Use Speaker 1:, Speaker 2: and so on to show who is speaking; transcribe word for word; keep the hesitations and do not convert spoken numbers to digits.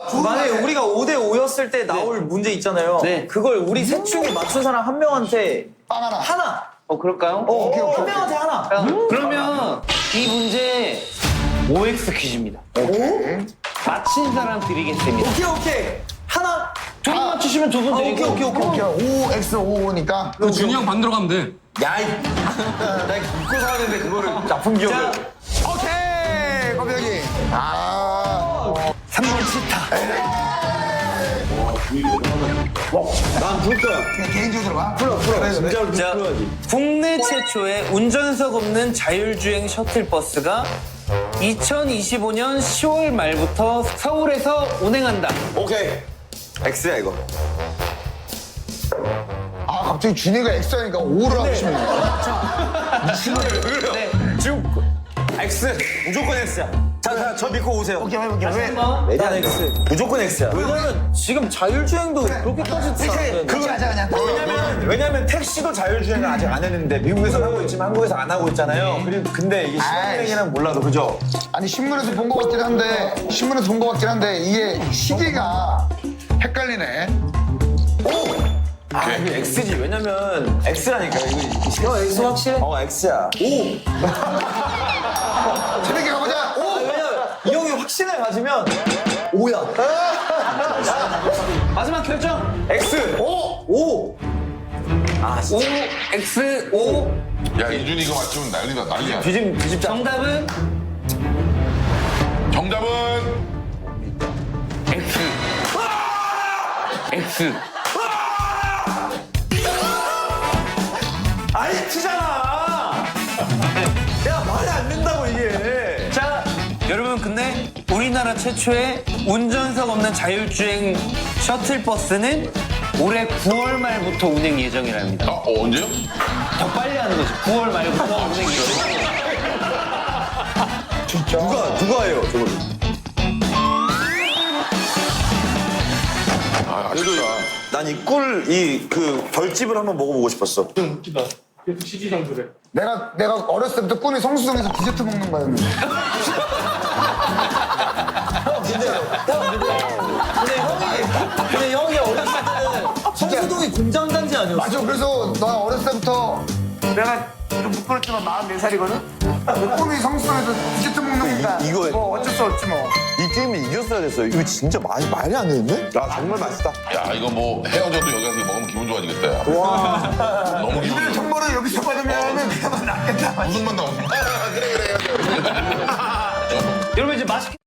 Speaker 1: 만약에 우리가 오 대 오였을 때 나올 문제 있잖아요.
Speaker 2: 네.
Speaker 1: 그걸 우리 셋 중에 맞춘 사람 한 명한테
Speaker 3: 빵 하나.
Speaker 1: 하나.
Speaker 2: 어, 그럴까요?
Speaker 1: 어,
Speaker 3: 오케이, 오케이,
Speaker 1: 한
Speaker 3: 오케이.
Speaker 1: 명한테 하나.
Speaker 2: 그러면 이 문제 오엑스 퀴즈입니다.
Speaker 3: 오케이.
Speaker 2: 맞힌 사람 드리겠습니다.
Speaker 1: 오케이 오케이. 하나.
Speaker 2: 두 분 맞추시면 두 분
Speaker 1: 아,
Speaker 2: 드리고.
Speaker 1: 오케이 오케이 오케이.
Speaker 3: 오케이. 오 엑스 오오니까.
Speaker 4: 그 준이 형 반대로 가면 돼.
Speaker 1: 야이. 나 입고 사는데 그거를 나쁜 기억을.
Speaker 3: 오케이. 거벽이. 아.
Speaker 1: 삼 번 치타. 난 불 거야.
Speaker 3: 그냥 개인적으로 들어봐.
Speaker 1: 풀어 풀어.
Speaker 3: 그래, 그래.
Speaker 1: 진짜로
Speaker 2: 자,
Speaker 1: 풀어야지.
Speaker 2: 국내 최초의 운전석 없는 자율주행 셔틀버스가 이천이십오 년 시월 말부터 서울에서 운행한다.
Speaker 1: 오케이. X야 이거.
Speaker 3: 아 갑자기 준이가 엑스 하니까 오를 하고 싶네.
Speaker 1: 그래요?
Speaker 2: 네.
Speaker 1: 지금 X. 무조건 X야. 자, 자, 저 믿고 오세요.
Speaker 3: 오케이 해볼게요. 왜?
Speaker 1: 난 X. 무조건 X야. 왜냐면 지금 자율주행도 그렇게까지
Speaker 3: 그렇게 그렇게 하자 그냥.
Speaker 1: 왜냐면, 왜냐면 택시도 자율주행을 아직 안 했는데 미국에서 하고 있지만 한국에서 안 하고 있잖아요. 그리고 근데 이게 신호행위는 몰라도 그죠?
Speaker 3: 아니 신문에서 본 것 같긴 한데 신문에서 본 것 같긴 한데 이게 시기가 헷갈리네.
Speaker 1: 아, 이게 X지. 왜냐면 X라니까. 이거
Speaker 2: X 확실해?
Speaker 1: 어, X야. 오.
Speaker 3: 재밌게 가보자. 오.
Speaker 1: 왜냐면 이 형이 확신을 가지면 오야.
Speaker 2: 마지막 결정.
Speaker 1: X. 오. 오. 아,
Speaker 2: 오, X, O.
Speaker 5: 야 이준이 이거 맞추면 난리다 난리야.
Speaker 1: 뒤집 뒤집자.
Speaker 2: 정답은
Speaker 5: 정답은
Speaker 2: X. X.
Speaker 1: 아니 T잖아. 야 말이 안 된다고 이게.
Speaker 2: 자, 여러분 근데 우리나라 최초의 운전석 없는 자율주행 셔틀버스는 올해 구월 말부터 운행 예정이랍니다.
Speaker 5: 아, 어, 언제요?
Speaker 2: 더 빨리 하는 거지. 구월 말부터 운행 예정.
Speaker 1: 누가 누가 해요 저걸?
Speaker 5: 아 아쉽다.
Speaker 1: 난 이 꿀 이 그 결집을 한번 먹어보고 싶었어.
Speaker 4: 웃기다. 계속 시지상 그래.
Speaker 3: 내가 내가 어렸을 때부터 꿈이 성수동에서 디저트 먹는 거였는데.
Speaker 1: 근데 형이 근데 형이 어렸을 때는 성수동이 공장 단지 아니었어?
Speaker 3: 맞아. 그래서 나 어렸을 때부터 내가 좀 부끄럽지만 마흔네 살이거든. 꿈이 성수동에서 디저트 먹는 거니까.
Speaker 1: 이- 이거-
Speaker 3: 뭐 어쩔 수 없지 뭐.
Speaker 1: 이 게임이 이겼어야 됐어. 이거 진짜 맛이 말이 안 되는데? 야 정말 맛있다.
Speaker 5: 야 이거 뭐 헤어져도 여기 가서 이거 먹으면 기분 좋아지겠다. 야. 너무 기분 좋아.
Speaker 3: 정보를 여기서 받으면 그냥 낫겠다.
Speaker 5: 무슨 맛 나오지? 그래 그래.
Speaker 2: 여러분 이제 맛있게